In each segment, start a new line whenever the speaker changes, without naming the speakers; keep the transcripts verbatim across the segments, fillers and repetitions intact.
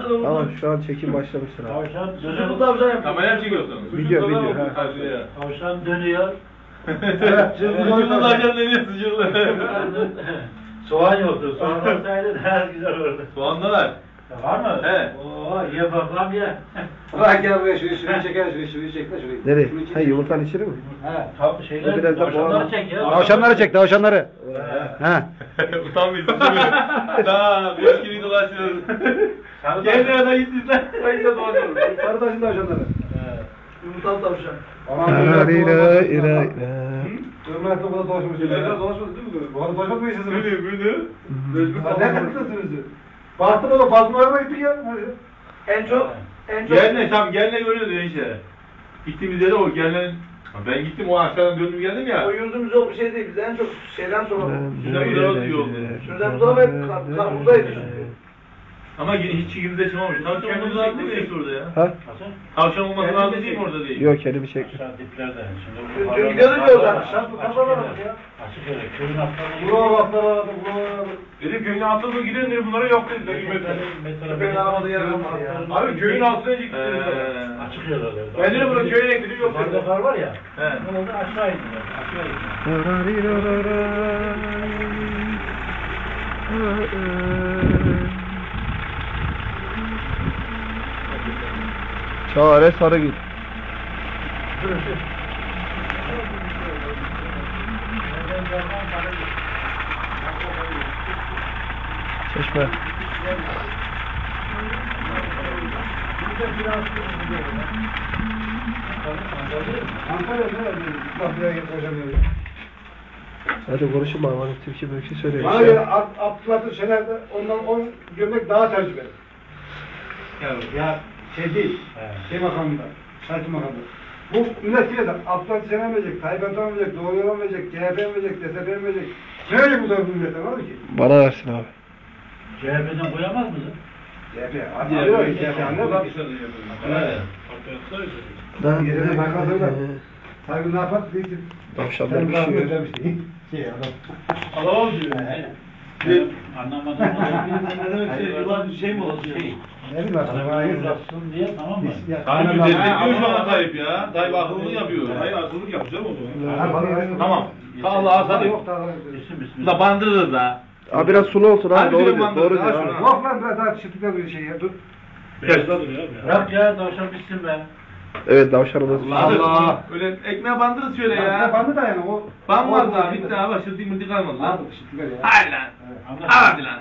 da
Tamam şu an çekim başlamıştır abi.
Tavşan
Sucuklu
dönüyor.
tavşan yapıyor.
Kamera mı çekiyorsun?
Video video. Ha.
Tavşan dönüyor.
Sucuklu tavşan deniyor sucuklu.
Soğan yoktu. Soğan olsaydı daha güzel olurdu.
Soğanda var.
Var mı?
He.
Oo, ye babam ye.
Bırak gel buraya şurayı şurayı çeker şurayı şurayı çekme şurayı.
Nereye?
Şurayı çek.
Ha yumurtanın içine mi?
He, tav şeyler,
Biraz da
tavşanları
boğalım.
çek ya.
Tavşanları çek, tavşanları. Ha.
Utanmıyorsun değil mi? Daha beş gibi dolaşıyoruz. Gel nereden gittiler? Ben de dolaşıyorum.
Sarı taşın tavşanları.
Yumurtalı tavşan.
İra ira ira.
Ömrüne topuda dolaşmış. Ömrüne dolaşmadı değil mi? Bu arada dolaşmadı mı yaşasın?
Böyle böyle.
Mecbur kaldı. Ne kırıklasınız? Baktım oğlum Bazmur'a gittik ya.
En çok en çok
Gelne tam gelne görüyordu enişte. Gittiğimiz yere o gelnenin. Ben gittim o aşağıdan döndüm geldim ya.
o yurdumuz yok bir şey değil. Biz en çok şeyden sonra
Şuradan bu tarafa iyi oldu.
şuradan bu tarafa hep kar- karpuzdaydı çünkü.
Ama hiç çekimde çıkmamış. Tavşan olması lazım değil mi enişte orada ya?
Ha?
Tavşan olması lazım değil mi orada değil?
Yok kendimi çektim.
Aşağı diplerde.
Dün-
Şimdi
dün gidiyorduk ya oradan.
Açık
Bu kafalar
yere.
var ya.
Açık yere. Köyün atlarına
Buralar baklar aradı, buralar aradı.
Dedim köyün altına giden dedi bunlara yok dediler.
Köpeğin aramadığı yer kalmadı ya.
Abi köyün altına gittiler.
Açık yerlerde.
Ben dedim burada köyün ekledim yok
Yukarıda
dedi.
kar var ya.
He.
Ne oldu? Aşağı indiler. Aşağı indiler.
Ra ri ra ra ra. Çare Sarıgül. Çeşme.
Antalya'da ne? Bak buraya git hocam diyor.
Hadi konuşun bana bana Türkçe böyle bir şey söyle.
Bana göre Abdülhatır Şener'de ondan on gömlek daha tecrübeli. Ya şey değil, şey makamında, şarkı makamında. Bu millet bile de Abdülhatır Şener verecek, Tayyip Erdoğan verecek, Doğru Yol verecek, C H P verecek, D S P verecek. Ne verecek bu da bu millete, ne olur ki?
Bana versin abi.
C H P'den koyamaz mısın?
C H P, hadi alıyor, C H P anlıyor musun?
Ben
Yerine bakarlar. Tayyip ne yapar?
Tavşanlar bir şey yok.
Şey adam.
Alamam diyor.
Anlamadım.
Ne demek şey, yılan şey mi olsun?
Şey.
Ne bileyim aslında bana
Bana
yazık.
uzatsın diye tamam mı?
Tayyip destekliyor şu an Tayyip ya. Tayyip akıllılık yapıyor. Hayır akıllılık yapacağım o zaman. Tamam. Allah sana yok.
İsim ismi.
Da bandırırız ha.
Abi biraz sulu olsun abi
Hadi
doğru
bir
diyor.
mandır
Doğru
daha
diyor.
şuna.
Yok lan biraz daha çıtıkla bir şey ya. Dur.
Bırak ya tavşan bitsin be.
Evet tavşanımız.
Allah. Öyle ekmeğe bandırırız şöyle
Ya
ya.
bandı da yani o.
Ban var daha bitti abi. Şırtı mırtı kalmadı lan.
Lan çıtıkla ya.
Hayır lan. Hadi lan.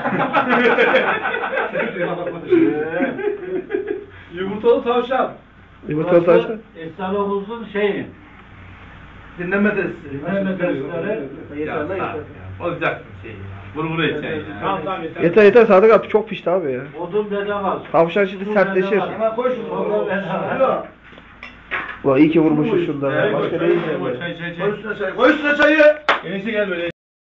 Yumurtalı tavşan.
Yumurtalı tavşan.
Esnafımızın şeyi.
Dinleme testi.
Dinleme testleri.
Ya sağ ol ya. Olacaksın şey ya. Vur vur edeceksin ya.
Tamam tamam yeter.
Yeter yeter Sadık abi çok pişti abi ya.
Odun bedava.
Tavşan şimdi
Su
sertleşir.
bedava.
Hemen koy şunu.
Sonra bedava.
Ulan iyi ki vurmuşuz şundan.
Çay
ya.
koy,
Başka ne
çay
yiyeceğim
koy,
ya.
çay çay
Koy
çay.
üstüne çayı. Koy üstüne çayı.
Enişte gel böyle